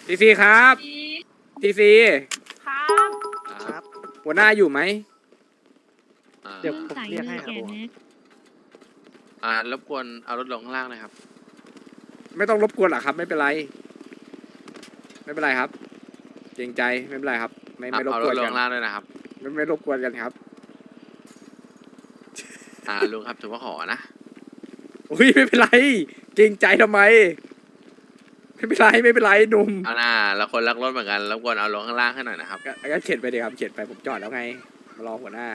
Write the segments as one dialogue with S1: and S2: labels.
S1: ทีซีครับทีซี
S2: ครับ
S3: ครับ
S1: หัวหน้าอยู่ไหม
S3: เดี๋ยวผมเรียกให้ครับผม
S4: รบกวนเอารถลงข้างล่างหนะครับ
S1: ไม่ต้องรบกวนหรอกครับ ไม่เป็นไร ไม่เป็นไรครับเกรงใจไม่เป็นไรครับ ไม่รบ
S4: เอา
S1: ก
S4: ร
S1: ว
S4: ถ
S1: น
S4: ลง
S1: กัน
S4: ข้างล่างด้วยนะครับ
S1: ไม่รบกวนกันครับ
S4: ลุงครับถือว่าขอนะ
S1: อุ้ยไม่เป็นไรเกรงใจทำไมไม่เป็นไรไม่เป็นไรหนุ่ม
S4: เอาหน้าเราคนรักรถเหมือนกันรบกวนเอาลงข้างล่างให้หน่อยนะครับ
S1: ก็เข็นไปดีครับเข็นไปผมจอดแล้วไงมารอหัวหน้า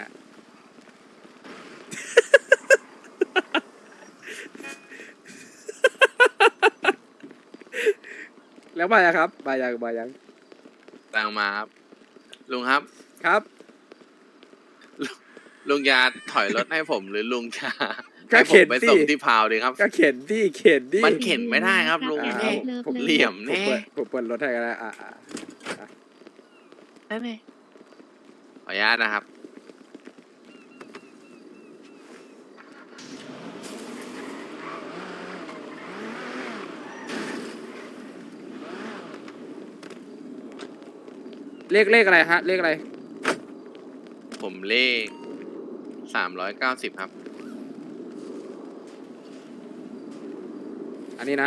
S1: แล้วมายังครับมายัง
S4: ตังมาครับลุงครับ
S1: ครับ
S4: ลุงจะถอยรถให้ผมหรือลุงจะ
S1: ก็
S4: ให้ผ
S1: เข็
S4: ม
S1: น
S4: ไป
S1: สิ
S4: ส่งที่พาวดีครับ
S1: ก็เข็นดิเข็นดิ
S4: มันเข็นไม่ได้ครับลุง
S1: อ่า
S4: แน่
S1: ผม
S4: เหลี่ยมแน่
S1: ผมเปิดรถให้ก็ได้
S4: ได้ไหมขออนุญาตนะครับ
S1: เลขอะไรฮะเลขอะไร
S4: ผมเลข390ครับ
S1: อันนี้นะ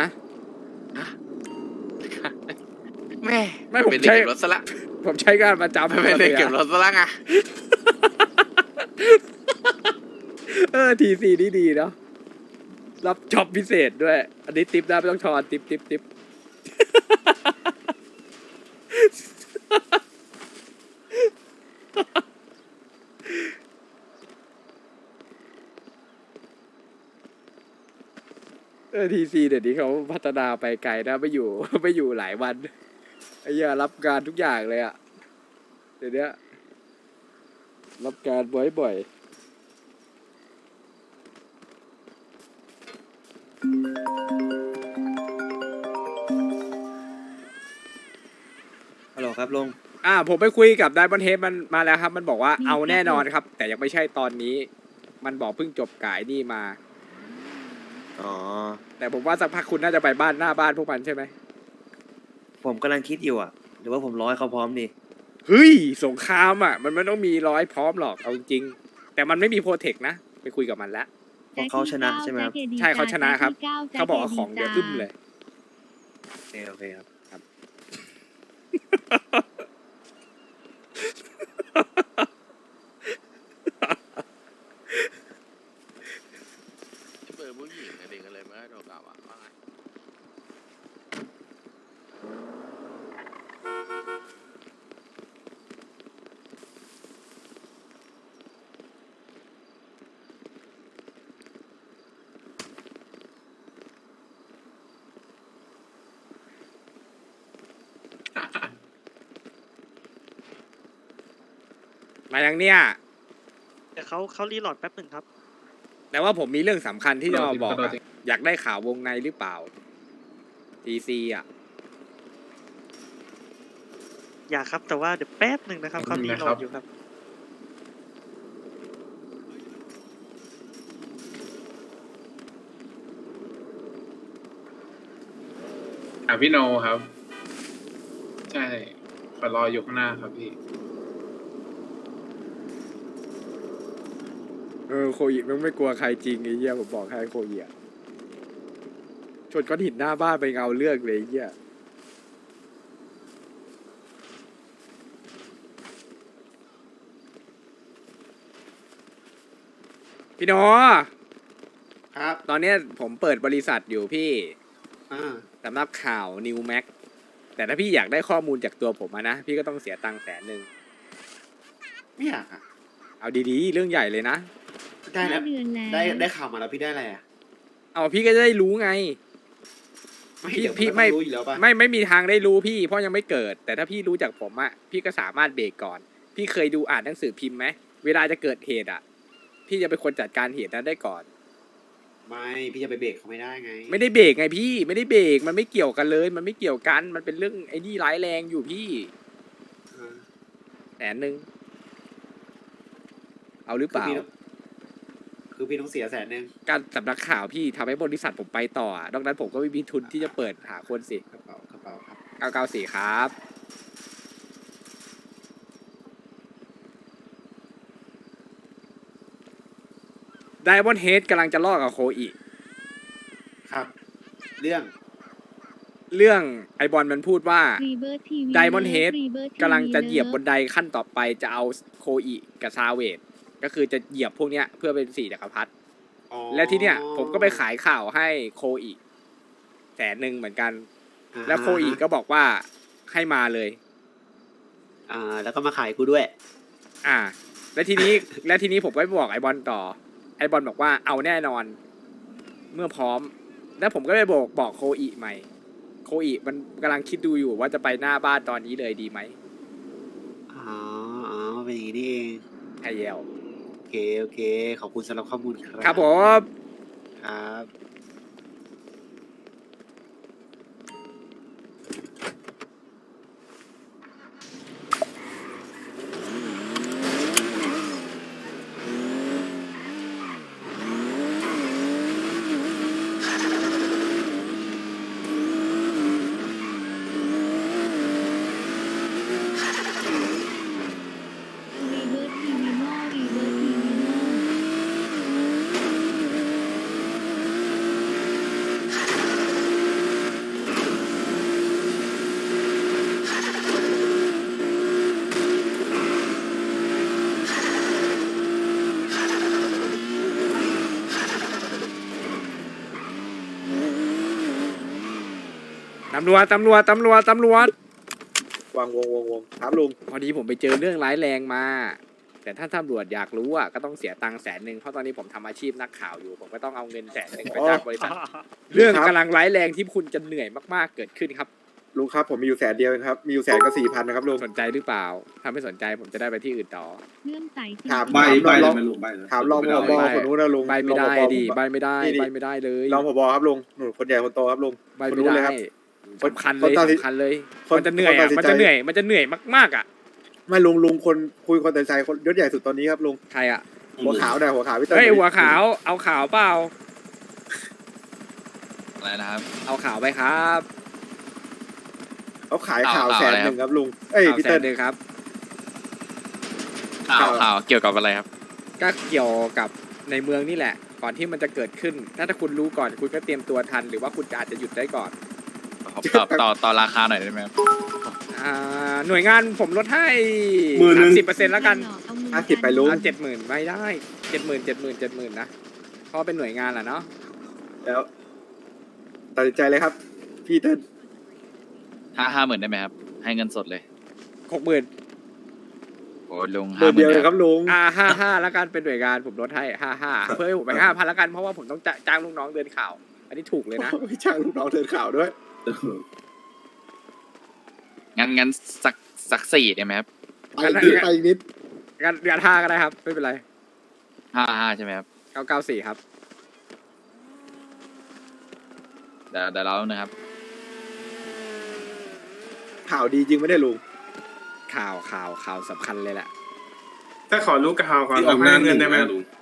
S4: แม่
S1: ไม่ผม
S4: เป็น
S1: ใช้
S4: เด็กเก็บรถซะละ
S1: ผมใช้งานประจำ
S4: ไม่เป็นเด็กเก็บรถซะละไง
S1: ทีซีนี่ดีเนาะรับจ็อบพิเศษด้วย อันนี้ติปได้ไม่ต้องทอนติปทีซีเดี๋ยวนี้เขาพัฒนาไปไกลนะไม่อยู่หลายวันไอ้เหี้ยรับการทุกอย่างเลยอะเดี๋ยวนี้รับการบ่อยๆ
S3: ฮัลโหลครับลุง
S1: ผมไปคุยกับไดมอนเฮดมันมาแล้วครับ มันบอกว่า
S2: มี
S1: เอาแน่นอน
S2: ครับ
S1: ครับ แต่ยังไม่ใช่ตอนนี้ มันบอกเพิ่งจบกายนี่มา
S3: อ๋อ
S1: แต่ผมว่าสักพักคุณน่าจะไปบ้านหน้าบ้านพวกมันใช่ไหม
S3: ผมกำลังคิดอยู่อ่ะ หรือว่าผมร้อยเขาพร้อมดี
S1: เฮ้ยสงครามอ่ะ มันไม่ต้องมีร้อยพร้อมหรอกเอาจริงๆแต่มันไม่มีโปรเทคนะไปคุยกับมันแล้ว
S3: เพราะเขาชนะใช่ไหมครับ
S1: ใช่เขาชนะครับ เขาบอกว่าของเดี๋ยวอึ้มเลย
S3: โอเคครับ
S4: เปิดผู้หญิงเด็กกันเลยไม่ได้โดนกล่าวว่าไง
S1: มายังเนี่ย
S3: เดี๋ยวเขารีโหลดแป๊บหนึ่งครับ
S1: แต่ว่าผมมีเรื่องสำคัญที่จะมาบอกอะอยากได้ข่าววงในหรือเปล่า TC อ่ะ
S3: อยากครับ แต่ว่าเดี๋ยวแป๊บหนึ่งนะครับเขารีโหลดอยู่ครับ
S5: พี่โนครับ ใช่ขอรออยู่ข้างหน้าครับพี่
S1: โคอิมันไม่กลัวใครจริงไอ้เหี้ยผมบอกให้โคอิอะชนก้อนหินหน้าบ้านไปเงาเลือกเลยไอ้เหี้ยพี่โน
S6: ครับ
S1: ตอนเนี้ยผมเปิดบริษัทอยู่พี่
S6: อ่า
S1: สำนักข่าวนิวแม็กแต่ถ้าพี่อยากได้ข้อมูลจากตัวผมอะนะ พี่ก็ต้องเสียตังค์100,000
S6: ไม่อยากอ่ะ
S1: เอาดีๆ เรื่องใหญ่เลยนะ
S6: ได้แล้ว
S2: 5 เดือนแล้ว
S6: ได้ข่าวมาแล้วพี่ได้อะไรอ่ะ
S1: เอาพี่ก็จะได้รู้ไง
S6: ไม่
S1: พี่
S6: เดี๋ยว
S1: พี่
S6: น
S1: ไม่
S6: รู้อยู่แล้วป่ะ
S1: ไม่มีทางได้รู้พี่ เพราะยังไม่เกิด แต่ถ้าพี่รู้จากผมอะพี่ก็สามารถเบรกก่อน พี่เคยดูอ่านหนังสือพิมพ์ไหมเวลาจะเกิดเหตุอะพี่จะเป็นคนจัดการเหตุนั้นได้ก่อน
S6: ไม่พี่จะไปเบรกเขาไม่ได้ไง
S1: ไม่ได้เบรกไงพี่ไม่ได้เบรกมันไม่เกี่ยวกันเลย มันไม่เกี่ยวกันมันเป็นเรื่องไอ้นี่ร้ายแรงอยู่พี่
S6: อ่า
S1: 100,000เอาหรือเปล่า
S6: คือพี่ต้องเสีย100,000
S1: การสำนักข่าวพี่ทำให้บริษัทผมไปต่ออะนอกนั้นผมก็ไม่มีทุนที่จะเปิดหาคนสิ
S6: กระเป๋าครับ
S1: 994ครับไดมอนด์เฮดกำลังจะล่อกับโคอี
S6: ครับ เรื่อง
S1: เรื่องไอบอลมันพูดว่า
S2: ไดมอนด์เฮด
S1: กำลังจะเหยียบบนไดขั้นต่อไปจะเอาโคอีกับซาเวดก็คือจะเหยียบพวกเนี้ยเพื่อเป็น4 จักรพรรดิ
S6: อ๋อ
S1: แล้วที่เนี้ยผมก็ไปขายข่าวให้โคอี100,000เหมือนกัน แล้วโคอีก็บอกว่าให้มาเลย
S6: แล้วก็มาขายกูด้วย
S1: อ่า แล้วทีนี้ แล้วทีนี้ผมก็ไปบอกไอบอลต่อ ไอบอลบอกว่าเอาแน่นอน เมื่อพร้อม แล้วผมก็ไปบอกโคอีใหม่ โคอีมันกำลังคิดดูอยู่ว่าจะไปหน้าบ้านตอนนี้เลยดีไหม
S6: อ๋อเป็นอย่างนี้นี่เอง
S1: ไฮเยล
S6: โอเค ขอบคุณสำหรับข้อมูลครับ
S1: ครับผม
S6: ครับ
S2: รีเวิร์สทีวีโน่รีเวิร์สทีวีโน่
S1: ตำรวจ
S7: วางวงครับลุง
S1: พอดีผมไปเจอเรื่องร้ายแรงมา แต่ถ้าตำรวจอยากรู้อ่ะก็ต้องเสียตังค์100,000เพราะตอนนี้ผมทำอาชีพนักข่าวอยู่ ผมก็ต้องเอาเงิน100,000ไปจากบริษัท เรื่องกำลังร้ายแรงที่คุณจะเหนื่อยมากๆเกิดขึ้นครับ
S7: ลุงครับผมมีอยู่100,000เดียวเองครับมีอยู่100,000กับ4,000นะครับลุง
S1: สนใจหรือเปล่า ถ้าไม่สนใจผมจะได้ไปที่อื่นต่อ
S2: เลื่อมใสจริง
S7: ถาม
S8: ใบ
S7: ถาม
S8: เล
S7: รอย ง
S8: ไหมลุงใบเลย
S7: ถามรองผบคนนู้นนะลุง
S1: ใบไม่ได้
S7: รองผบ
S1: ดิใบไม่ได้
S7: นี่
S1: ใบไม่ได้เลย
S7: รองผบครับลุงหนูคนใหญ่คนโตครับลุง
S1: ใบ
S7: คน
S1: ไม่
S7: นู้นเลย
S1: ได้
S7: ครับ
S1: สำคัญเลย
S7: คนตัดสิน
S1: สำคัญเลย
S7: คน
S1: มันจะเหนื่อยอ่ะ
S7: คนตัดสิน
S1: มัน
S7: ใจ
S1: จะเหนื่อยมากๆอ่ะ
S7: ไม่ลุงคนคุยคนแต่ใจคนยศใหญ่สุดตอนนี้ครับลุง
S1: ใครอ่ะ
S7: หัวขาวหน่อยหัวขาวพี่เต้
S1: เฮ้ยหัวขาวเอาขาวเปล่า
S8: อะไรนะครับ
S1: เอาขาวไปครับ
S7: เขาขายข่าว
S8: ข่าวอะไร
S7: 100,000ครับลุงเอ้ย
S1: ข่าว
S7: พี่
S1: แส
S7: เต้
S1: นหนึ่งครับ
S8: ข่าวเกี่ยวกับอะไรครับ
S1: ก็เกี่ยวกับในเมืองนี่แหละ ก่อนที่มันจะเกิดขึ้น ถ้าคุณรู้ก่อนคุณก็เตรียมตัวทัน หรือว่าคุณอาจจะหยุดได้ก่อน
S8: ต่อราคาหน่อยได้ไหมครับ
S1: หน่วยงานผมลดให้ 30%แล้วกัน
S7: 50ไปลุง
S1: 70,000ไม่ได้70,000นะเพราะเป็นหน่วยงานแหละเนาะ
S7: แล้วตัดสินใจเลยครับพี่เต้
S8: 50,000ได้ไหมครับ ให้เงินสดเลย
S1: 60,000
S8: โอ้ลุง
S7: เบอร์เดียวเลย
S8: 50,000
S7: ครับลุง
S1: 55แล้วกันเป็นหน่วยงานผมลดให้55เพื่อให้ผมไป5,000แล้วกันเพราะว่าผมต้องจ้างลูกน้องเดินข่าว อันนี้ถูกเลยนะ
S7: ไม่จ้างลูกน้องเดินข่าวด้วย
S8: งั้นสัก4ได้ไหมครับ
S7: ไปอีกนิด
S1: งาน5ก็ได้ครับไม่เป็นไร
S8: 55ใช่ไหมครับ
S1: 994ครับ
S8: เดี๋ยวเรานะครับ
S7: ข่าวดีจริงไม่ได้ลุง
S1: ข่าวสำคัญเลยแหละ
S5: ถ้าขอรู้ข่าวก่อน
S8: ที่ออกหน้า
S5: เงินได้ไหม
S8: ลุง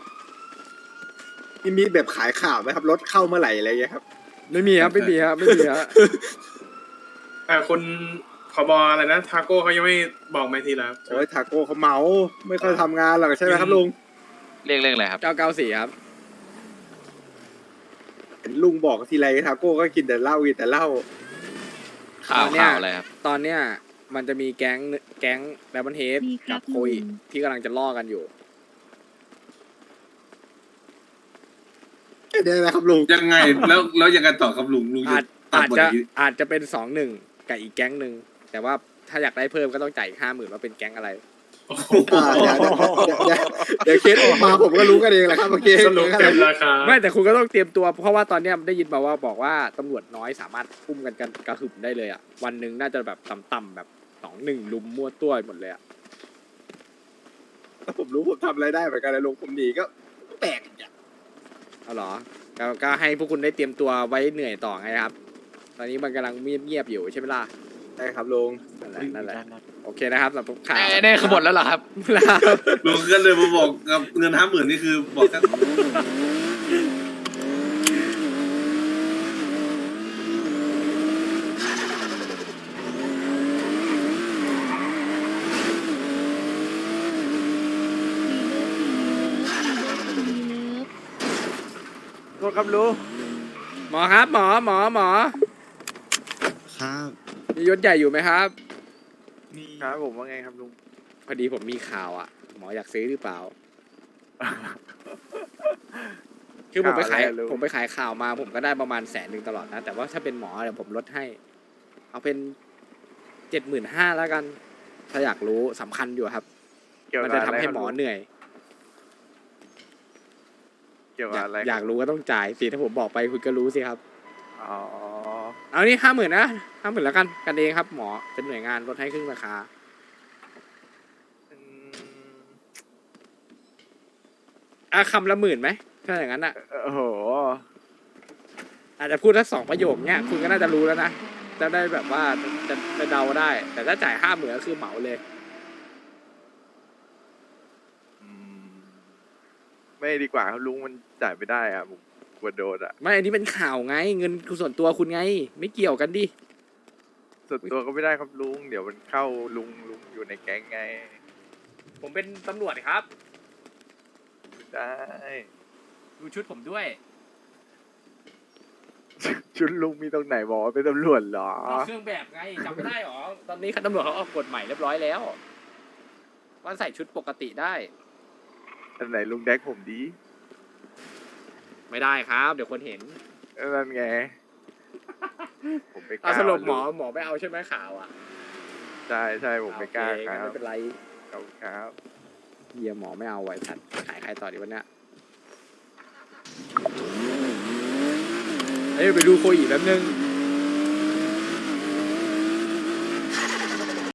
S7: มีแบบขายข่าวไหมครับรถเข้าเมื่อไหร่อะไรอย่างเงี้ยครับ
S1: ไม่มีครับไม่มีครับ
S5: คุณผบอะไรนะทาโก้เขายังไม่บอกมาทีแล้ว
S7: โอ้ยทาโก้เขาเมาไม่ค่อยทำงานหรอกใช่ไหมครับลุง
S8: เรียกอะไรครับ
S1: 994ครับ
S7: เห็นลุงบอกทีไรทาโก้ก็กินแต่เหล้ากินแต่เหล้า
S8: ข่าว
S1: เนี่ย
S8: อะไรครับ
S1: ตอนเนี้ยมันจะมีแก๊งแบมเบิลเฮด
S2: มีครั
S1: กั
S2: บบ
S1: โคย
S2: ลุง
S1: ที่กำลังจะล่อกันอยู่
S7: เดี๋ยวนะครับลุง
S8: ยังไงแล้วยังไงต่อครับลุง
S1: อาจจะเป็น2-1กับอีกแก๊งหนึ่งแต่ว่าถ้าอยากได้เพิ่มก็ต้องจ่ายอีก50,000ว่าเป็นแก๊งอะไร
S7: เดี๋ยวเคสออกมาผมก็รู้กันเองแหละครับเมื่อกี้
S5: สรุปเต็มราคา
S1: ไม่แต่คุณก็ต้องเตรียมตัวเพราะว่าตอนเนี้ยได้ยินมาว่าบอกว่าตำรวจน้อยสามารถพุ่มกันกระหึ่มได้เลยอ่ะวันหนึ่งน่าจะแบบต่ำๆแบบ2-1ลุมมั่วตัวหมดเลยอ่ะ
S7: ผมรู้ผมทำอะไรได้เหมือนกันนะลุงผมหนีก็แปลกอย่าง
S1: เอาเหรอก็ให้พวกคุณได้เตรียมตัวไว้เหนื่อยต่อไงครับ ตอนนี้มันกำลังเงียบๆอยู่ใช่ไหมล่ะ
S7: ใช่ครับลุง
S1: นั่นแหละโอเคนะครับสำหรับข่าว
S8: ได้ขบวนแล้วเหรอครับ ลุงก็เลยมาบอกกับเงิน50,000นี่คือบอกกัน
S9: ษครับลุง
S1: หมอครับหมอ
S3: ครับ
S1: มียศใหญ่อยู่ไหมครับ
S9: ครับผมว่าไงครับลุง
S1: พอดีผมมีข่าวอ่ะ หมออยากซื้อหรือเปล่า คือผมไปขาย
S9: ข่าวอะไรอะลุง
S1: ผมไปขายข่าวมาผมก็ได้ประมาณ100,000ตลอดนะ แต่ว่าถ้าเป็นหมอเดี๋ยวผมลดให้ เอาเป็น75,000แล้วกัน ถ้าอยากรู้สำคัญอยู่ครับ
S9: เกี่ยว
S1: มัน
S9: กับ
S1: จะ
S9: อะไร
S1: ทำให้
S9: ครับ
S1: หมอ
S9: ลุง
S1: เหนื่อย
S9: เกี่ยว
S1: อ
S9: กับ
S1: ยาก
S9: อะไร
S1: อยากรู้ก็ต้องจ่ายสิถ้าผมบอกไปคุณก็รู้สิครับ
S9: อ๋อ
S1: เอานี่50,000นะ50,000แล้วกันเองครับ หมอเป็นหน่วยงานลดให้ครึ่งราคา
S9: อืม
S1: คำละ10,000ไหมถ้าอย่างนั้นอ่ะ
S9: โอ้โห
S1: อาจจะพูดสัก2 ประโยคเนี้ยคุณก็น่าจะรู้แล้วนะจะได้แบบว่าจะเดาได้ แต่ถ้าจ่าย50,000ก็คือเหมาเลย
S9: อืมไม่ดีกว่าครับลุงมันจ่ายไม่ได้อะผมกลัวโดนอะ
S1: ไม่อันนี้เป็นข่าวไง เงินส่วนตัวคุณไง ไม่เกี่ยวกันดิ
S9: ส่วนตัวก็ไม่ได้ครับลุงเดี๋ยวมันเข้าลุงอยู่ในแก๊งไง
S1: ผมเป็นตำรวจครับ
S9: ได้
S1: ดูชุดผมด้วย
S9: ชุดลุงมีตรงไหนบอกว่าเป็นตำรวจเหรอ
S1: เครื่องแบบไงจำไม่ได้หรอ ตอนนี้ตำรวจเขาออกกฎใหม่เรียบร้อยแล้วว่าใส่ชุดปกติได้
S9: อันไหนลุงแดกผมดี
S1: ไม่ได้ครับ เดี๋ยวคนเห็น
S9: นั่นไง ผมไม่ก
S1: เอา
S9: ล้า
S1: สรุปหมอ
S9: ลุง
S1: ไม่เอาใช่ไหมข่าวอ่ะ
S9: ใช่ผมไม่กล้า
S1: โอเค
S9: ค
S1: งั้น
S9: รับ
S1: ไม่เป็นไร
S9: ขอบคุณครับ
S1: เฮียหมอไม่เอาไว้สัตว์ขายใครต่อดีวันเนี้ยเอ้ยไปดูโคอีแป๊บนึง